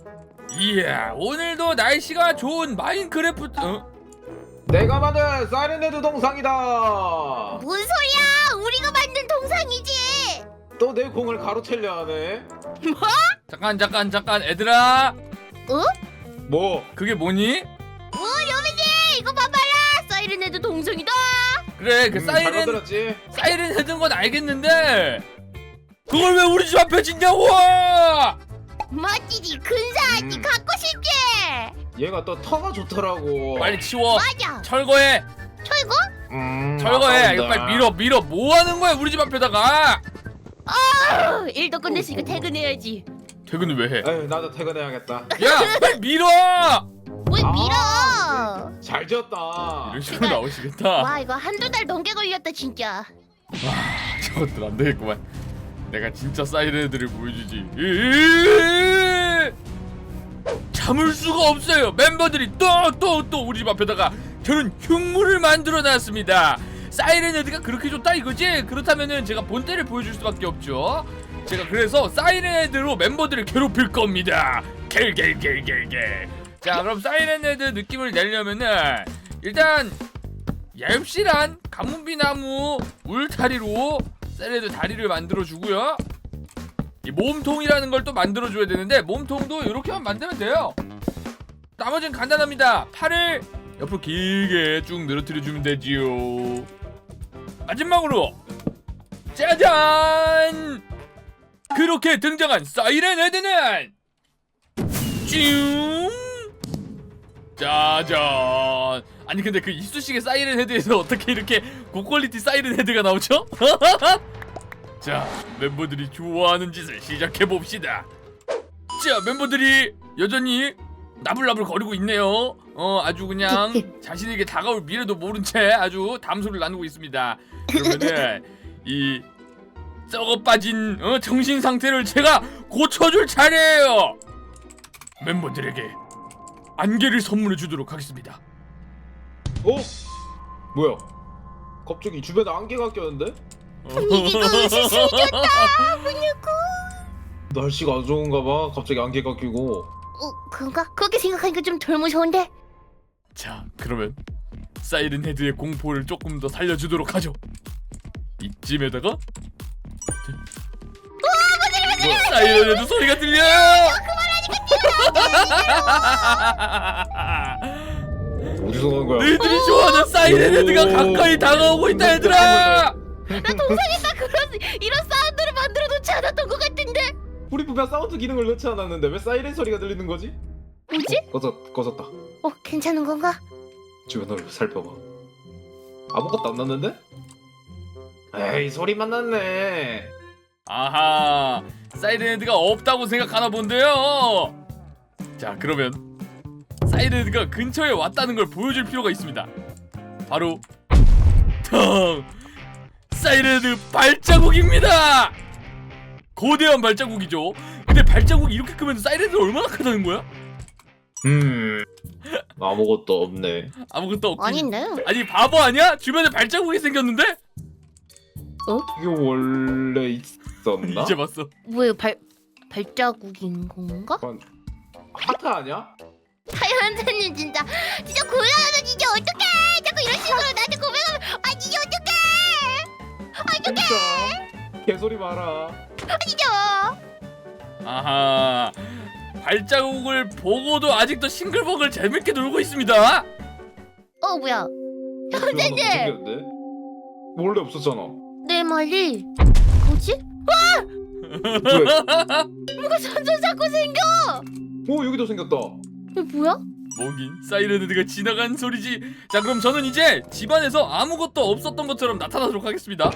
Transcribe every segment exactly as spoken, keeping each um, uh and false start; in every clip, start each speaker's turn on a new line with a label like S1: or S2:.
S1: 이야, 오늘도 날씨가 좋은 마인크래프트. 어?
S2: 내가 만든 사이렌헤드 동상이다.
S3: 뭔 소리야? 우리가 만든 동상이지.
S2: 또 내 공을 가로채려 하네.
S3: 뭐?
S1: 잠깐 잠깐 잠깐 애들아.
S3: 어?
S2: 뭐?
S1: 그게 뭐니?
S3: 오, 여민이 이거 봐봐라. 사이렌헤드 동상이다.
S1: 그래, 그
S2: 음, 잘
S1: 사이렌
S2: 만들었지.
S1: 사이렌 헤드인 건 알겠는데 그걸 왜 우리 집 앞에 짓냐고!
S3: 멋지지. 근사하지.
S2: 음.
S3: 갖고 싶지.
S2: 얘가 또 터가 좋더라고.
S1: 빨리 치워.
S3: 맞아.
S1: 철거해.
S3: 철거?
S2: 음,
S1: 철거해. 이거
S2: 아까운다.
S1: 빨리 밀어 밀어. 뭐 하는 거야 우리 집 앞에다가?
S3: 아, 일도 끝냈으니까
S2: 어, 어.
S3: 퇴근해야지.
S1: 퇴근을 왜 해?
S2: 에휴, 나도 퇴근해야겠다.
S1: 야, 빨리 밀어.
S3: 왜
S2: 아,
S3: 밀어?
S2: 잘 지었다.
S1: 이런 식으로 나오시겠다.
S3: 와, 이거 한두 달 넘게 걸렸다 진짜.
S1: 저것들 안 되겠구만. 내가 진짜 사이렌들을 보여주지. 으으으으으! 참을 수가 없어요. 멤버들이 또 또 또 우리 집 앞에다가 저런 흉물을 만들어 놨습니다. 사이렌 헤드가 그렇게 좋다 이거지? 그렇다면은 제가 본때를 보여줄 수밖에 없죠. 제가 그래서 사이렌 헤드로 멤버들을 괴롭힐 겁니다. 겔겔겔겔겔. 자, 그럼 사이렌 헤드 느낌을 내려면은 일단 얇실한 가문비 나무 울타리로 사이렌 헤드 다리를 만들어 주고요. 이 몸통이라는 걸 또 만들어 줘야 되는데 몸통도 이렇게만 만들면 돼요. 나머지는 간단합니다. 팔을 옆으로 길게 쭉 늘어뜨려 주면 되지요. 마지막으로 짜잔! 그렇게 등장한 사이렌 헤드는 쭉 짜잔! 아니 근데 그 이쑤시개 사이렌 헤드에서 어떻게 이렇게 고퀄리티 사이렌 헤드가 나오죠? 자, 멤버들이 좋아하는 짓을 시작해봅시다. 자, 멤버들이 여전히 나불나불 거리고 있네요. 어, 아주 그냥 자신에게 다가올 미래도 모른 채 아주 담소를 나누고 있습니다. 그러면은 이 썩어 빠진 어, 정신 상태를 제가 고쳐줄 차례예요. 멤버들에게 안개를 선물해 주도록 하겠습니다.
S2: 어? 뭐야? 갑자기 주변에 안개가 꼈는데?
S3: 이게 너무 생겼다. 뭐냐고?
S2: 날씨가 안 좋은가 봐. 갑자기 안개가 끼고.
S3: 어, 그런가? 그렇게 생각하니까 좀 덜 무서운데?
S1: 자, 그러면 사이렌 헤드의 공포를 조금 더 살려주도록 하죠. 이쯤에다가 뭐, 사이렌 헤드 소리가 들려요.
S2: 어디서 난 거야?
S1: 너희들이 좋아하는 사이렌 헤드가 가까이 다가오고 있다 얘들아.
S3: 나 동상에다 그런 이런 사운드를 만들어 놓지 않았던 것 같은데?
S2: 우리 분명 사운드 기능을 넣지 않았는데 왜 사이렌 소리가 들리는 거지?
S3: 뭐지?
S2: 어, 꺼졌, 꺼졌다.
S3: 어, 괜찮은 건가?
S2: 주변을 살펴봐. 아무것도 안 났는데? 에이, 소리만 났네.
S1: 아하, 사이렌 헤드가 없다고 생각하나 본데요. 자, 그러면 사이렌 헤드가 근처에 왔다는 걸 보여줄 필요가 있습니다. 바로 탕! 사이렌 헤드 발자국입니다. 거대한 발자국이죠. 근데 발자국이 이렇게 크면 사이렌 헤드 얼마나 크다는 거야?
S2: 음, 아무것도 없네.
S1: 아무것도 없긴.
S3: 아닌데?
S1: 아니 바보 아니야? 주변에 발자국이 생겼는데?
S2: 이게 원래 있었나?
S1: 이제 봤어.
S3: 뭐야, 발 발자국인 건가?
S2: 하트 아니야?
S3: 하연사님 진짜 진짜 곤란하다. 진짜 어떡해? 자꾸 이런 식으로 나한테 고백하면 아 진짜 어떡해?
S2: 진짜 개소리 마라.
S3: 아 진짜.
S1: 아하, 발자국을 보고도 아직도 싱글벙글 재밌게 놀고 있습니다.
S3: 어, 뭐야?
S2: 선생님 원래 없었잖아.
S3: 내 말이 뭐지?
S2: 왜?
S3: 뭐가 점점 자꾸 생겨.
S2: 오, 여기도 생겼다.
S3: 이게 뭐야?
S1: 뭐긴 사이렌 헤드가 지나간 소리지. 자, 그럼 저는 이제 집안에서 아무것도 없었던 것처럼 나타나도록 하겠습니다.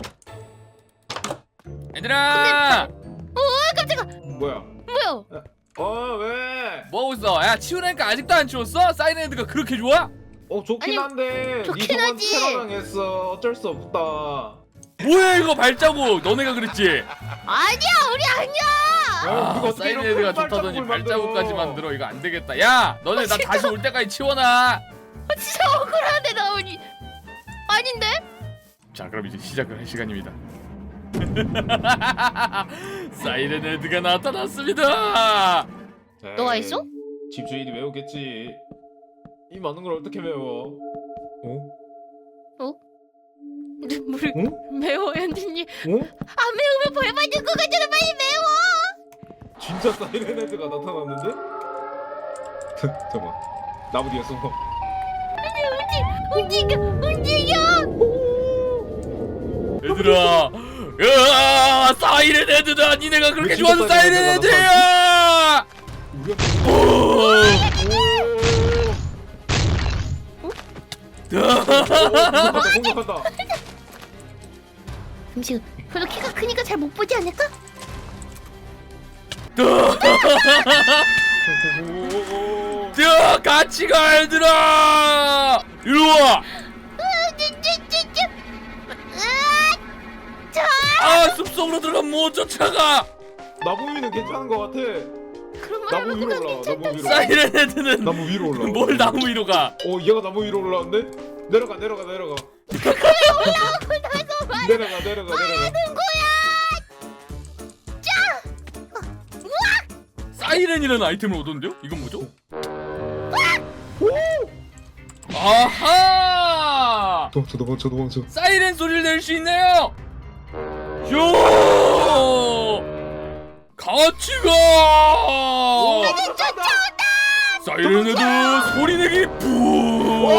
S1: 얘들아,
S3: 어, 깜짝아.
S2: 뭐야?
S3: 뭐야?
S2: 어, 왜?
S1: 뭐하고 있어? 야, 치우라니까 아직도 안 치웠어? 사이렌 헤드가 그렇게 좋아?
S2: 어, 좋긴
S3: 아니,
S2: 한데
S3: 좋긴
S2: 니 저번
S3: 하지.
S2: 테러당했어. 어쩔 수 없다.
S1: 뭐야 이거 발자국? 너네가 그랬지?
S3: 아니야, 우리 아니야.
S2: 야,
S1: 아,
S2: 누가 어떻게
S1: 사이렌
S2: 이런
S1: 헤드가
S2: 큰
S1: 좋다더니
S2: 발자국을
S1: 발자국까지
S2: 만들어.
S1: 만들어. 이거 안 되겠다. 야, 너네 나 다시 올 때까지 치워놔.
S3: 아, 진짜 억울한데 나 우리 아닌데?
S1: 자, 그럼 이제 시작을 할 시간입니다. 사이렌 헤드가 나타났습니다.
S3: 너가
S2: 에이,
S3: 했어?
S2: 집주인이 외우겠지. 이 많은 걸 어떻게 외워? 어?
S3: 물
S2: 응?
S3: 매워 현진님.
S2: 어?
S3: 안 매우면 벌 받을 것 같잖아. 빨리 매워.
S2: 진짜 사이렌 헤드가 나타났는데? 잠깐만. 나무 뒤에 숨어.
S3: 움직여 움직여.
S1: 얘들아, 으아, 사이렌 헤드다. 니네가 그렇게
S2: 진짜
S1: 좋아하는
S2: 사이렌
S1: 사이렌
S2: 헤드가
S1: 헤드야.
S2: 우리가
S1: 오.
S2: 공격한다 공격한다.
S3: 잠시 별로 키가 크니까 잘 못 보지 않을까?
S1: 야, 같이 가 얘들아. 이리 와. 아, 숲속으로 들어가면 못 쫓아가.
S2: 나무 위는 괜찮은 것 같아.
S3: 그런 말
S2: 나무
S3: 하면
S2: 위로
S3: 그건
S2: 올라.
S3: 괜찮다.
S2: 나무 위로.
S1: 사이렌 헤드는
S2: 나무 위로 올라.
S1: 뭘 나무 위로 가?
S2: 어 얘가 나무 위로 올라왔네? 내려가 내려가 내려가. 내려가 내려가 내려가.
S1: 사이렌이라는 아이템을 얻었는데요? 이건 뭐죠? 아하!
S2: 도망쳐 도망쳐 도망쳐.
S1: 사이렌 소리를 낼 수 있네요. 요! 같이 가! 사이렌 헤드 소리 내기 뿡!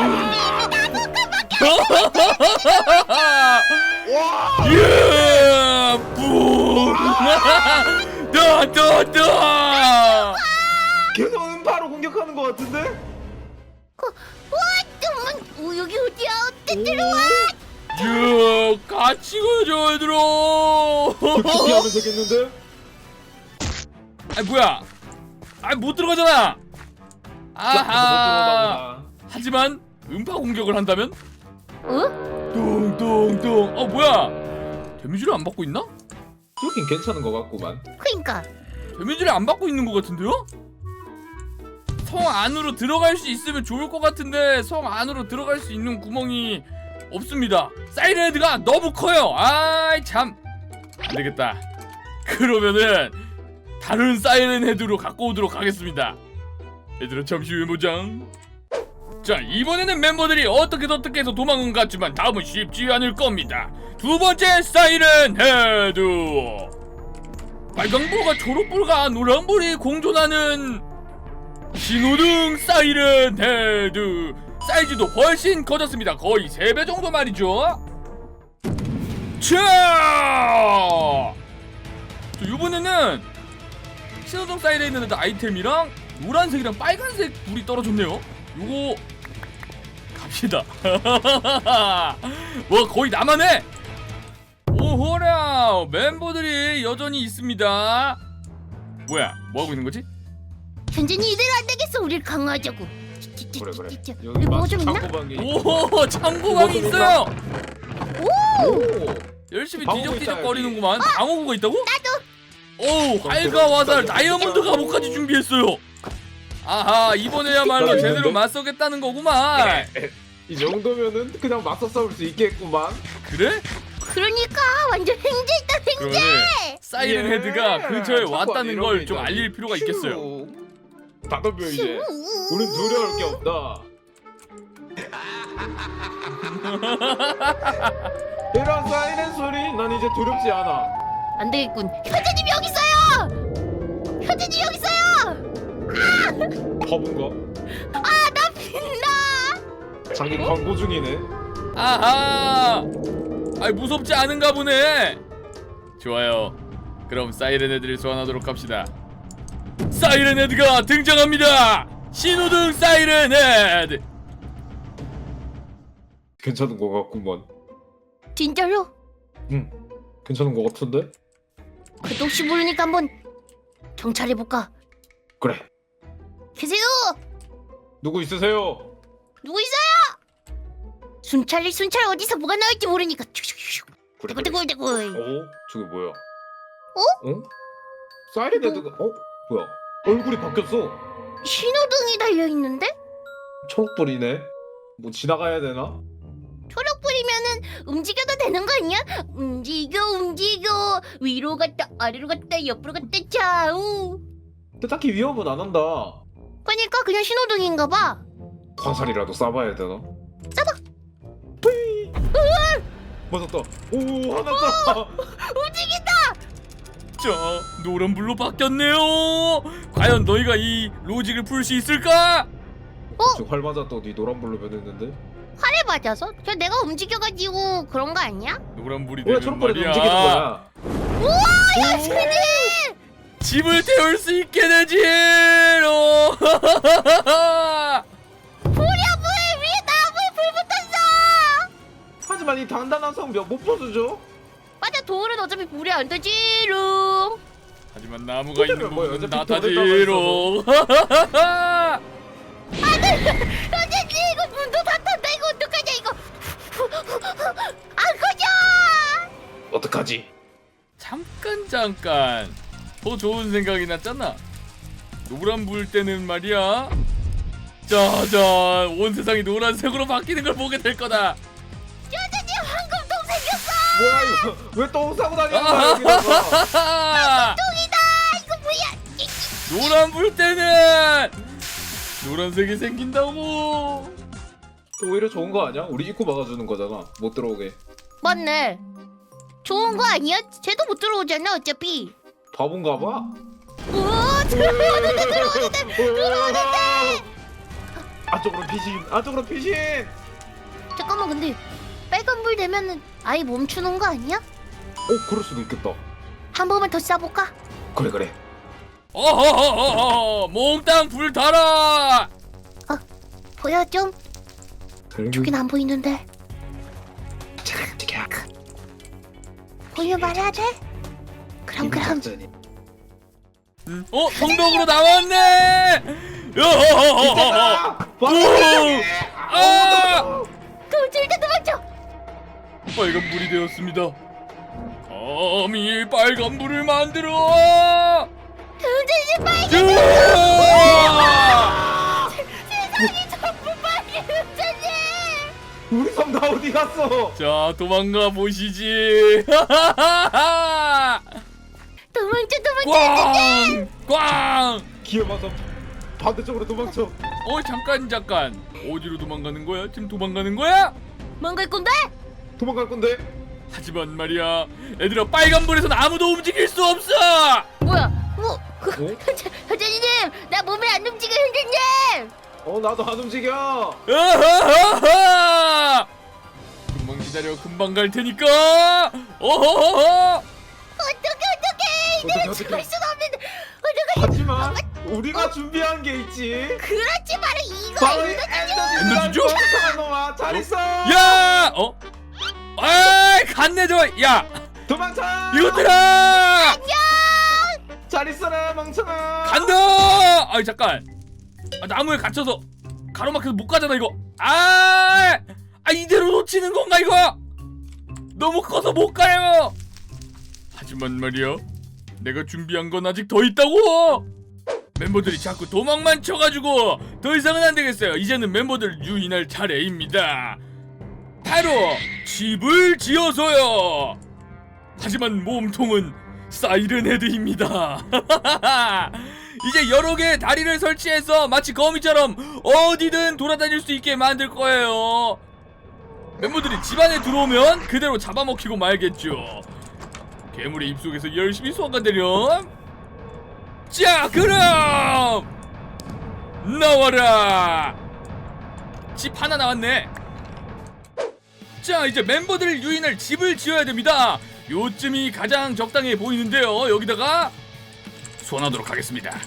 S1: 예! 뿡! 더, 더, 더!
S2: 계속 음파로 공격하는 것 같은데?
S3: 와 정말 오 여기 어디야? 어때 들어와?
S1: 야, 같이 가자 얘들아.
S2: 그렇게 하면 되겠는데?
S1: 아 뭐야? 아 못 들어가잖아. 아하. 하지만 음파 공격을 한다면
S3: 어?
S1: 뚱뚱뚱. 어 뭐야? 데미지를 안 받고 있나?
S2: 여긴 괜찮은 것 같구만.
S3: 그니까
S1: 데미지를 안 받고 있는 것 같은데요? 성 안으로 들어갈 수 있으면 좋을 것 같은데 성 안으로 들어갈 수 있는 구멍이 없습니다. 사이렌 헤드가 너무 커요. 아이 참 안되겠다. 그러면은 다른 사이렌 헤드로 갖고 오도록 하겠습니다. 얘들아 잠시 후에 보장. 자 이번에는 멤버들이 어떻게 어떻게 해서 도망은 갔지만 다음은 쉽지 않을 겁니다. 두 번째 사이렌 헤드. 빨강불과 초록불과 노란불이 공존하는 신호등 사이렌 헤드. 사이즈도 훨씬 커졌습니다. 거의 세 배 정도 말이죠. 자, 이번에는 신호등 사이렌 헤드 아이템이랑 노란색이랑 빨간색 불이 떨어졌네요. 요거 갑시다. 와 거의 나만 해. 오호라 멤버들이 여전히 있습니다. 뭐야 뭐하고 있는 거지?
S3: 현진이 이대로 안 되겠어. 우릴 강화하자고.
S2: 그래 그래.
S3: 여기
S2: 여기
S3: 뭐
S2: 막
S3: 좀 있나?
S2: 창고방에.
S1: 오 창고방이 있어요.
S2: 오.
S1: 열심히
S2: 방어구 있다,
S1: 뒤적뒤적거리는구만. 방어구가 있다고?
S3: 나도.
S1: 오 활과 화살 다이아몬드 갑옷까지 준비했어요. 아하 이번에야말로
S2: 있는데?
S1: 제대로 맞서겠다는 거구만.
S2: 이 정도면은 그냥 맞서 싸울 수 있겠구만.
S1: 그래?
S3: 그러니까 완전 횡재있다 횡재.
S1: 그러면 사이렌
S2: 예.
S1: 헤드가 근처에
S2: 창고
S1: 왔다는
S2: 안에
S1: 걸
S2: 이런
S1: 좀
S2: 게
S1: 알릴 필요가 있겠어요.
S2: 다 덤벼 이제. 우린 두려울 게 없다. 이런 사이렌 소리 난 이제 두렵지 않아.
S3: 안 되겠군. 현진님 여기 있어요. 현진님 여기 있어요.
S2: 바본가?
S3: 나 빛나.
S2: 자기 광고 중이네.
S1: 아하 아이 무섭지 않은가 보네. 좋아요. 그럼 사이렌 헤드를 소환하도록 합시다. 사이렌 헤드가 등장합니다. 신호등 사이렌 헤드.
S2: 괜찮은 거 같구만.
S3: 진짜로?
S2: 응. 괜찮은 거 같은데?
S3: 그래도 혹시 모르니까 한번 정찰해볼까?
S2: 그래.
S3: 계세요.
S2: 누구 있으세요?
S3: 누구 있어요? 순찰이 순찰 어디서 뭐가 나올지 모르니까.
S2: 그래. 그래.
S3: 대굴대굴대굴.
S2: 어? 저게 뭐야? 어? 어? 사이렌 헤드가 어? 뭐야? 얼굴이 바뀌었어.
S3: 신호등이 달려 있는데?
S2: 초록불이네. 뭐 지나가야 되나?
S3: 초록불이면은 움직여도 되는 거 아니야? 움직여 움직여 위로 갔다 아래로 갔다 옆으로 갔다 좌우.
S2: 근데 딱히 위협은 안 한다.
S3: 그러니까 그냥 신호등인가 봐.
S2: 화살이라도 쏴봐야 되나?
S3: 쏴봐.
S2: 맞았다. 오 화났다.
S3: 움직인다.
S1: 자, 노란불로 바뀌었네요. 과연 너희가 이 로직을 풀 수 있을까?
S2: 지금 활 맞았더니 노란불로 변했는데.
S3: 활에 맞아서? 저 내가 움직여가지고 그런 거 아니야?
S1: 노란불이
S2: 왜
S1: 되는
S2: 초록불이
S1: 말이야.
S2: 움직이는 거야?
S3: 우와 열심히.
S1: 집을 태울 수 있게 되지. 어.
S3: 불이야 불 위에 나무에 불 붙었어.
S2: 하지만 이 단단한 성벽 못 부수죠?
S3: 맞아 돌은 어차피 불이 안 되지롱.
S1: 하지만 나무가 있는
S2: 그러면 뭐야,
S1: 부분은
S2: 어차피
S1: 나타지로.
S3: 선생님 이거 문도 닫혔다. 이거 어떡하냐 이거. 안 꺼져.
S2: 어떡하지?
S1: 잠깐 잠깐 더 좋은 생각이 났잖아. 노란불 때는 말이야. 짜잔, 온 세상이 노란색으로 바뀌는 걸 보게 될 거다.
S3: 선생님 황금똥 생겼어.
S2: 뭐야 이거? 왜 똥 싸고 다니는 거야 여기다가?
S3: 똥이다. 이거 뭐야?
S1: 노란불 때는 노란색이 생긴다고.
S2: 오히려 좋은 거 아니야? 우리 입구 막아주는 거잖아. 못 들어오게.
S3: 맞네. 좋은 거 아니야? 쟤도 못 들어오잖아 어차피.
S2: 바본가 봐.
S3: 오 들어오는데 들어오는데 들어오는데.
S2: 안쪽으로 피신. 안쪽으로 피신.
S3: 잠깐만 근데 빨간불 되면은 아예 멈추는 거 아니야?
S2: 어 그럴 수도 있겠다.
S3: 한 번만 더 쏴볼까?
S2: 그래 그래.
S1: 어허허허, 몽땅 불 달아.
S3: 보여 좀? 저긴 안 보이는데. 보여 말해야 돼? 그럼 그럼.
S1: 어, 성벽으로 나왔네. 어허허허허. 아!
S3: 도질때 도망쳐.
S1: 빨간 불이 되었습니다. 감히 빨간 불을 만들어.
S3: 도질지 빨개.
S1: 으아!
S3: 세상이 전부 빨개 도질지.
S2: 우리 섬 다 어디 갔어?
S1: 자, 도망가 보시지.
S3: 도망쳐 도망쳐.
S1: 꽝! 꽝!
S2: 기어마서 반대쪽으로 도망쳐.
S1: 어, 잠깐 잠깐. 어디로 도망가는 거야? 지금 도망가는 거야?
S3: 뭔갈 건데?
S2: 도망갈 건데.
S1: 하지만 말이야, 얘들아, 빨간 불에선 아무도 움직일 수 없어.
S3: 뭐야? 뭐? 그,
S2: 어?
S3: 현재님 나 몸에 안 움직여 현재님.
S2: 어 나도 안 움직여.
S1: 어허허허! 금방 기다려, 금방 갈 테니까. 어허허허!
S3: 어떡해 어떡해
S2: 어떡해,
S3: 내가
S2: 어떡해.
S3: 죽을 순 없는데 어떡해.
S2: 하지만 우리가 준비한 게 있지.
S3: 그렇지 바로 이거
S2: 바로 이
S3: 이거
S1: 엔더 진주?
S2: 엔더 진주 놈아 잘 있어.
S1: 야! 어? 에이, 갔네 저. 야,
S2: 도망쳐.
S1: 이것들아!
S2: 잘 있어라 멍청아.
S1: 간다! 아이, 잠깐. 아, 나무에 갇혀서 가로막혀서 못 가잖아 이거. 아! 아, 이대로 놓치는 건가 이거? 너무 커서 못 가요. 하지만 말이야, 내가 준비한 건 아직 더 있다고. 멤버들이 자꾸 도망만 쳐가지고 더 이상은 안 되겠어요. 이제는 멤버들 유인할 차례입니다. 바로 집을 지어서요. 하지만 몸통은 사이렌 헤드입니다. 이제 여러 개의 다리를 설치해서 마치 거미처럼 어디든 돌아다닐 수 있게 만들 거예요. 멤버들이 집 안에 들어오면 그대로 잡아먹히고 말겠죠. 괴물의 입속에서 열심히 소화가되렴. 자, 그럼 나와라. 집 하나 나왔네. 자, 이제 멤버들 유인할 집을 지어야 됩니다. 요쯤이 가장 적당해 보이는데요. 여기다가 소환하도록 하겠습니다.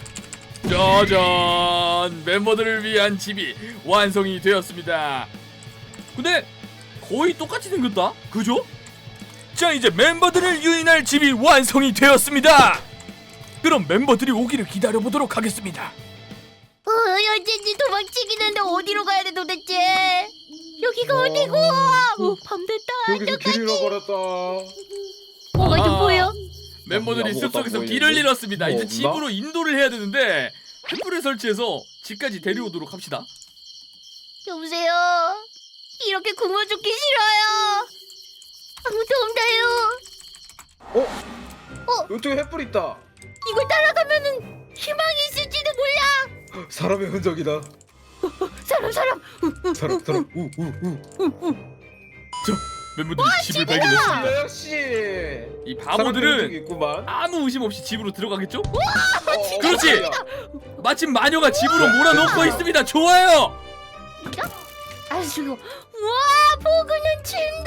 S1: 짜잔, 멤버들을 위한 집이 완성이 되었습니다. 근데 거의 똑같이 생겼다, 그죠? 자, 이제 멤버들을 유인할 집이 완성이 되었습니다. 그럼 멤버들이 오기를 기다려보도록 하겠습니다.
S3: 어 현재님 도망치기는데 어디로 가야 돼 도대체? 여기가 어디고? 어, 밤 됐다.
S2: 여기서 길 잃어버렸다.
S3: 뭐가 좀
S1: 아.
S3: 보여?
S1: 멤버들이
S2: 아무것도
S1: 숲속에서
S2: 안
S1: 길을
S2: 보이는데?
S1: 잃었습니다.
S2: 뭐
S1: 이제
S2: 없나?
S1: 집으로 인도를 해야 되는데 횃불을 설치해서 집까지 데려오도록 합시다.
S3: 여보세요. 이렇게 굶어 죽기 싫어요. 아무도 없나요?
S2: 어?
S3: 어?
S2: 이쪽에 횃불 있다.
S3: 이걸 따라가면은 희망이 있을지도 몰라.
S2: 사람의 흔적이다.
S3: 사람 사람.
S2: 사람 사람. 우우우.
S1: 멤버들이 집을 발견했습니다.
S2: 네, 역시.
S1: 이
S2: 사람의 흔적이
S1: 바보들은
S2: 있구만.
S1: 아무 의심 없이 집으로 들어가겠죠?
S2: 어,
S1: 그렇지!
S2: 야.
S1: 마침 마녀가 집으로 몰아넣고 있습니다. 좋아요!
S3: 아주 와 포근한 침대.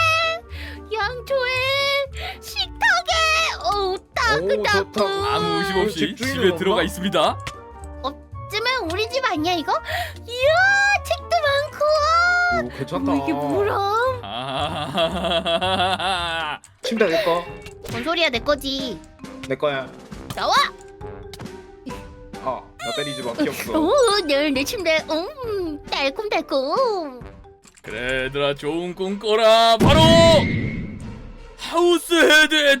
S3: 양초에 식탁에 어우 따끈따끈.
S2: 좋다.
S1: 아무 의심 없이
S2: 집주인은
S1: 집에
S2: 없나? 들어가
S1: 들어가 있습니다.
S3: 어쩌면 우리 집 아니야 이거? 이야 책도 많고.
S2: 오, 괜찮다.
S3: 어, 이게 뭐람?
S1: 아,
S2: 침대 내 거.
S3: 뭔 소리야 내 거지.
S2: 내 거야.
S3: 나와.
S2: 아, 나 때리지 마. 귀엽어.
S3: 오내내 침대. 음 달콤달콤.
S1: 그래 얘들아 좋은 꿈 꿔라. 바로 하우스 헤드의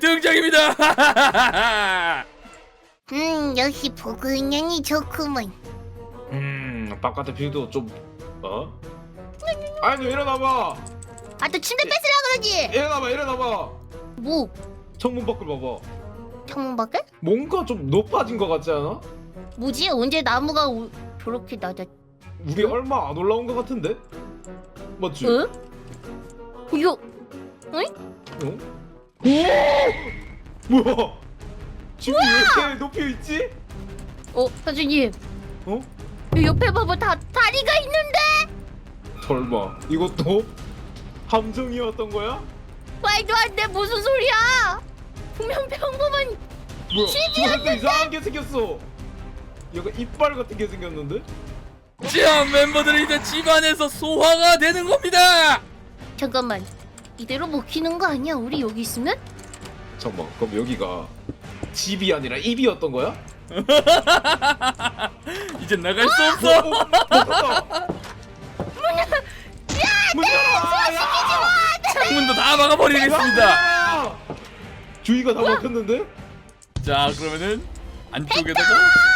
S1: 등장입니다.
S3: 음 역시 포근하니 좋구먼.
S2: 음, 바깥의 뷰도 좀 어? 아니 일어나봐.
S3: 아 또 침대 뺏으라 그러지.
S2: 일어나봐, 일어나봐.
S3: 뭐
S2: 창문 밖을 봐봐.
S3: 창문 밖에?
S2: 뭔가 좀 높아진 것 같지 않아?
S3: 뭐지 언제 나무가 우, 저렇게 낮아?
S2: 우리 얼마 안 올라온 것 같은데? 맞지?
S3: 응? 이거
S2: 어? 오! 뭐야? 지금 왜 이렇게 높이 있지?
S3: 어 선생님.
S2: 어?
S3: 이 옆에 봐봐 다 다리가 있는데.
S2: 설마 이것도 함정이었던 거야?
S3: 말도 안 돼 무슨 소리야? 분명 평범한.
S2: 뭐야? 저것도 이상한 게 생겼어. 약간 이빨 같은 게 생겼는데?
S1: 자 멤버들이 이제 집안에서 소화가 되는 겁니다.
S3: 잠깐만 이대로 먹히는 거 아니야? 우리 여기 있으면?
S2: 잠깐만, 그럼 여기가 집이 아니라 입이었던 거야?
S1: 이제 나갈 수 없어.
S2: 어, 어, 닫았다. 문 열어! 야!
S1: 창문도 다 막아버리겠습니다.
S2: 야! 주위가 다 막혔는데?
S1: 자 그러면은 안쪽에다가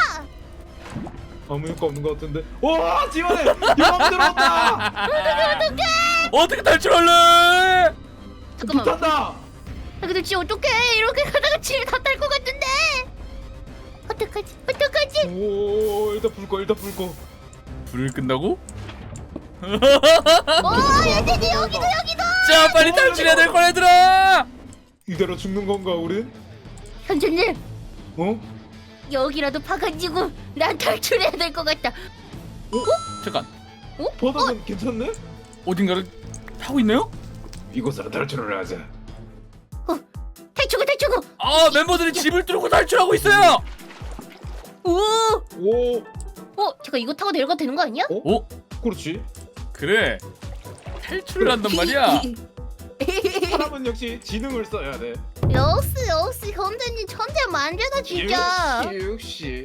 S2: 아무 효과 없는 것 같은데? 와! 지원해! 영암 들어왔다!
S1: 어떻게 탈출할래?
S3: 잠깐만.
S2: 붙었다!
S3: 아, 근데 지 어떡해 이렇게 가다가 집에 다 딸 것 같은데. 어떡하지? 어떡하지?
S2: 오, 일단 불 꺼, 일단 불 꺼.
S1: 불을 끈다고?
S3: 어 얘들이 여기도 여기도.
S1: 자 빨리 탈출해야 될 거야 얘들아.
S2: 이대로 죽는 건가, 우린?
S3: 현재님
S2: 어?
S3: 여기라도 파가지고 난 탈출해야 될 것 같다.
S1: 잠깐
S2: 바닥은 괜찮네?
S1: 어딘가를 타고 있나요?
S2: 이곳으로 탈출을 하자.
S3: 탈출구 탈출구.
S1: 아 멤버들이 집을 뚫고 탈출하고 있어요.
S3: 오.
S2: 오,
S3: 어 잠깐 이거 타고 내려가도 되는 거 아니야?
S1: 오
S2: 그렇지.
S1: 그래 탈출을 한단 말이야.
S2: 사람은 역시 지능을 써야 돼.
S3: 역시 역시 현재님 천재 만재다 진짜.
S2: 역시, 역시.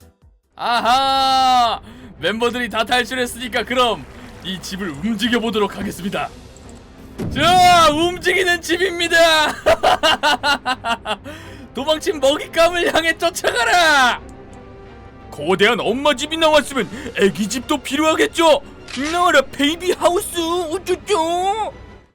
S1: 아하 멤버들이 다 탈출했으니까 그럼 이 집을 움직여 보도록 하겠습니다. 자 움직이는 집입니다. 도망친 먹잇감을 향해 쫓아가라. 거대한 엄마 집이 나왔으면 애기 집도 필요하겠죠. 나와라 베이비 하우스 우쭈쭈.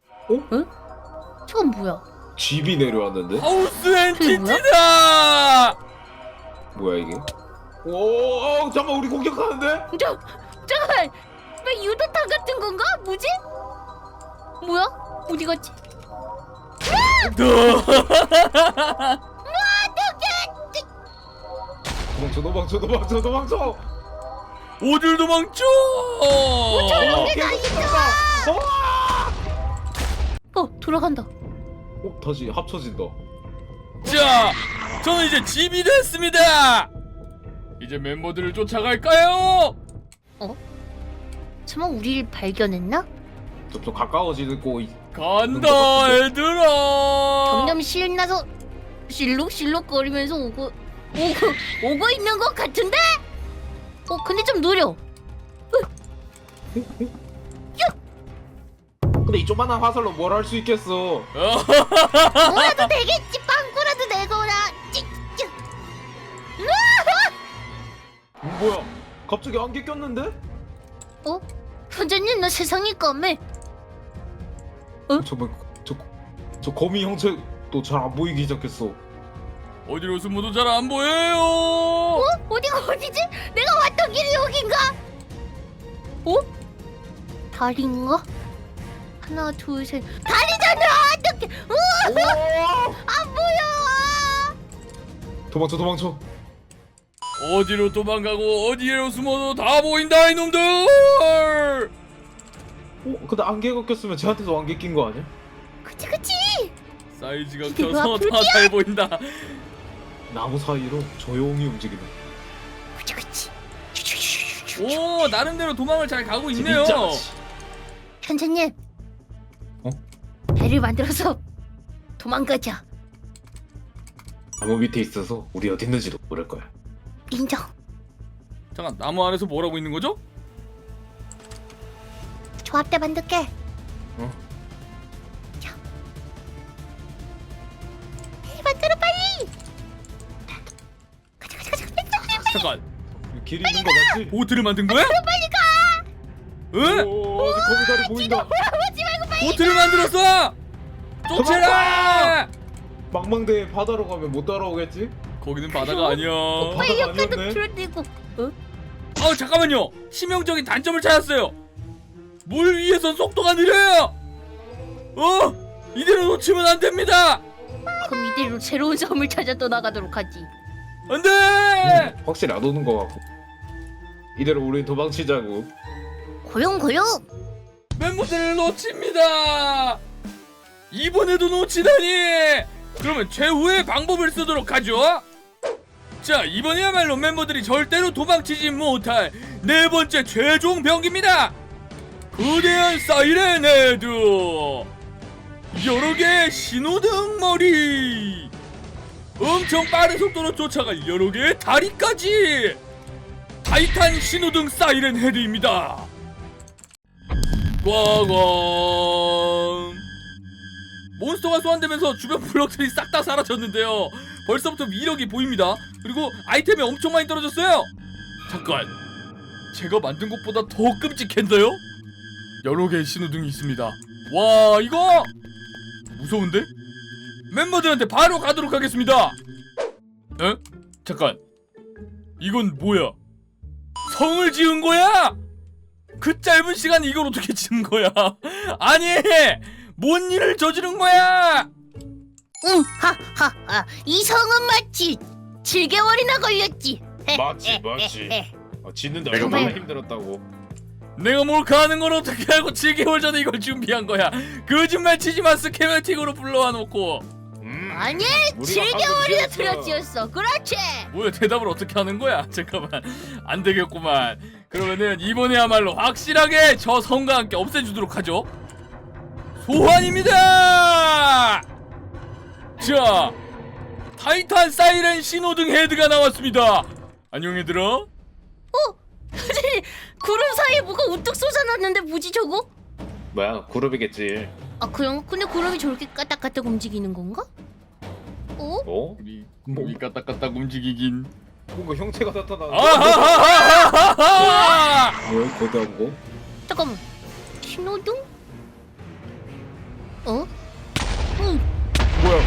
S3: 저건 뭐야?
S2: 집이 내려왔는데?
S1: 하우스 앤 키티다.
S2: 뭐야 이게? 오, 어, 잠깐만 우리 공격하는데?
S3: 저 잠깐만 왜 유도탄 같은 건가? 뭐지? 뭐야? 어디 갔지?
S2: 도망쳐, 도망쳐, 도망쳐, 도망쳐.
S1: 어딜 도망쳐?
S2: 어,
S3: 나
S2: 계속
S3: 있어.
S2: 도망가. 어,
S3: 어 돌아간다.
S2: 어, 다시 합쳐진다.
S1: 자, 저는 이제 집이 됐습니다. 이제 멤버들을 쫓아갈까요?
S3: 설마 우리를 발견했나?
S2: 점점 가까워지고 있-
S1: 간다, 얘들아.
S3: 점점 신나서 실룩실룩거리면서 오고 오고 오고 있는 것 같은데? 어 근데 좀 느려.
S2: 근데 이 조만한 화살로 뭘 할 수 있겠어?
S3: 뭐라도 되겠지. 빵꾸라도 내거라. 찍찍.
S2: 뭐야? 갑자기 안개 꼈는데?
S3: 어? 현재님 너 세상이 까매.
S2: 정말 저, 저 거미 형체도 잘 안 보이기 시작했어.
S1: 어디로 숨어도 잘 안 보여요.
S3: 어? 어디가 어디지? 내가 왔던 길이 여긴가? 어? 다리인가? 하나 둘셋 다리잖아. 어떡해. 으아! 안 보여.
S2: 도망쳐 도망쳐.
S1: 어디로 도망가고 어디로 숨어도 다 보인다 이놈들.
S2: 어? 근데 안개가 꼈으면 쟤한테도 안개 낀 거 아니야?
S3: 그치 그치.
S1: 사이즈가
S3: 이게
S1: 켜서
S3: 뭐야,
S1: 다 잘 보인다.
S2: 나무 사이로 조용히 움직이네.
S3: 그치 그치.
S1: 오 나름대로 도망을 잘 가고 있네요.
S2: 진짜.
S3: 현재님.
S2: 어?
S3: 배를 만들어서 도망가자.
S2: 나무 밑에 있어서 우리 어디 있는지도 모를 거야.
S3: 인정.
S1: 잠깐 나무 안에서 뭐라고 있는 거죠?
S3: 조합대 만들게.
S2: 어?
S3: 자. 빨리 만들어 빨리. 가자 가자 가자. 빨리
S1: 잠깐
S2: 길 있는 거 맞지?
S1: 보트를 만든 거야?
S3: 빨리 가.
S1: 응?
S2: 오, 거미다리 보인다.
S3: 오지 말고 빨리.
S1: 보트를 만들었어. 쫓아라.
S2: 망망대해 바다로 가면 못 따라오겠지?
S1: 거기는 바다가 아니야.
S3: 빨리
S2: 바다가
S3: 옆에도
S2: 아니었네.
S3: 줄어들고. 어?
S1: 아 잠깐만요. 치명적인 단점을 찾았어요. 물 위에서 속도가 느려요. 어? 이대로 놓치면 안 됩니다.
S3: 그럼 이대로 새로운 섬을 찾아 떠나가도록 하지.
S1: 안 돼.
S2: 음, 확실히 안 오는 거 같고. 이대로 우리 도망치자고.
S3: 고용 고용.
S1: 멤버들을 놓칩니다. 이번에도 놓치다니. 그러면 최후의 방법을 쓰도록 하죠. 자 이번에야말로 멤버들이 절대로 도망치지 못할 네 번째 최종 병기입니다. 거대한 사이렌 헤드, 여러 개의 신호등 머리, 엄청 빠른 속도로 쫓아갈 여러 개의 다리까지. 타이탄 신호등 사이렌 헤드입니다. 꽝꽝. 몬스터가 소환되면서 주변 블럭들이 싹 다 사라졌는데요. 벌써부터 위력이 보입니다. 그리고 아이템이 엄청 많이 떨어졌어요. 잠깐, 제가 만든 것보다 더 끔찍했나요? 여러 개의 신호등이 있습니다. 와 이거 무서운데? 멤버들한테 바로 가도록 하겠습니다. 에? 잠깐, 이건 뭐야? 성을 지은 거야? 그 짧은 시간에 이걸 어떻게 지은 거야? 아니, 뭔 일을 저지른 거야?
S3: 응, 하하하. 이 성은 마치 칠 개월이나 걸렸지.
S2: 맞지, 맞지. 아, 짓는데
S3: 내가
S2: 얼마나
S3: 뭐-
S2: 힘들었다고.
S1: 내가 몰카하는 걸 어떻게 알고 칠 개월 전에 이걸 준비한 거야? 거짓말 치지 마. 스케메틱으로 불러와 놓고.
S2: 음,
S3: 아니,
S2: 우리가
S3: 칠
S2: 방금
S3: 개월이나
S2: 지었어.
S3: 들여지었어. 그렇지.
S1: 뭐야, 대답을 어떻게 하는 거야? 잠깐만, 안 되겠구만. 그러면은 이번에야말로 확실하게 저 성과 함께 없애주도록 하죠. 소환입니다. 자, 타이탄 사이렌 신호등 헤드가 나왔습니다. 안녕 얘들아.
S3: 구름 사이에 뭐가 우뚝 솟아났는데 뭐지 저거?
S2: 뭐야, 그룹이겠지.
S3: 아 그냥 근데 구름이 저렇게 까딱까딱 움직이는 건가? 어?
S2: 어?
S1: 우리
S2: 뭐?
S1: 우리 까딱까딱 움직이긴.
S2: 뭔가 형체가 나타나.
S1: 아하하하하하!
S2: 뭐야, 거대한 거?
S3: 잠깐만. 신호등? 어? 응.
S2: 뭐야?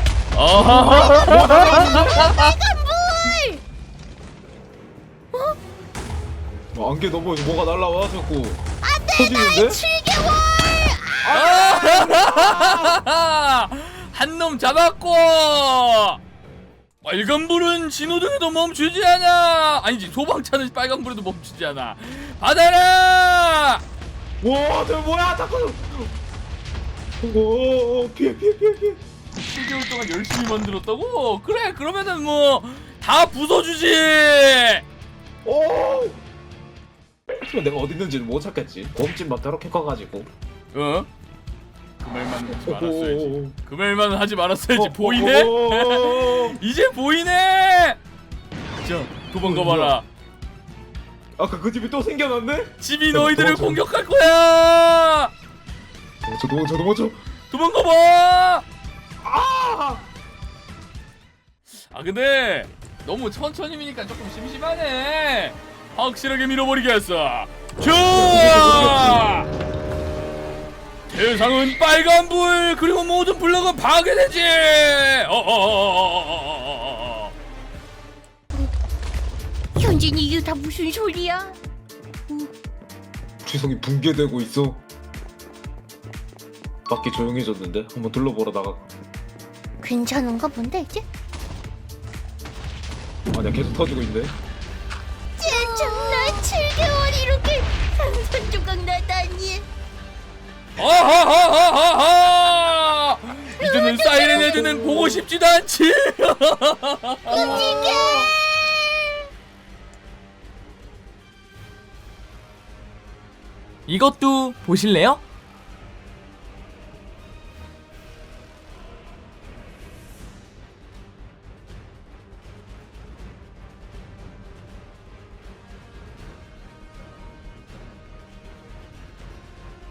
S1: 아하하하!
S2: 어, 안개 넘어 뭐가 날라와 자꾸. 터지는데?
S3: 칠 개월!
S1: 한 놈 잡았고. 빨간불은 신호등에도 멈추지 않아. 아니지, 소방차는 빨간불에도 멈추지 않아. 받아라.
S2: 와, 저 뭐야? 자꾸. 오, 피해, 피해, 피해, 피해.
S1: 칠 개월 동안 열심히 만들었다고? 그래, 그러면은 뭐 다 부숴주지.
S2: 오. 하지만 내가 어디 있는지는 못 찾겠지. 몸집만 저렇게 커가지고.
S1: 어? 그 말만 하지 말았어야지.
S2: 오.
S1: 그 말만 하지 말았어야지.
S2: 어,
S1: 보이네?
S2: 어, 어, 어.
S1: 이제 보이네. 자, 도망가봐라.
S2: 아까 그 집이 또 생겨났네?
S1: 집이
S2: 도망쳐.
S1: 너희들을 공격할 거야.
S2: 도망쳐, 도망쳐, 도망쳐.
S1: 도망가봐.
S2: 아!
S1: 아 근데 너무 천천히 미니까 조금 심심하네. 확실하게 밀어버리겠어. 자, 대상은 빨간불, 그리고 모든 블럭은 파괴되지. 어어어어어어어어.
S3: 현진이 이게 다 무슨 소리야?
S2: 지성이 붕괴되고 있어. 밖이 조용해졌는데 한번 둘러보러 나가.
S3: 괜찮은가 본데 이제?
S2: 아니야 계속 터지고 있네.
S3: 젠장 나 칠 개월 이렇게 상상 조각 나다니.
S1: 아하하하하하! 이제는 사이렌 헤드는 보고 싶지도 않지.
S3: 움직여!
S4: 이것도 보실래요?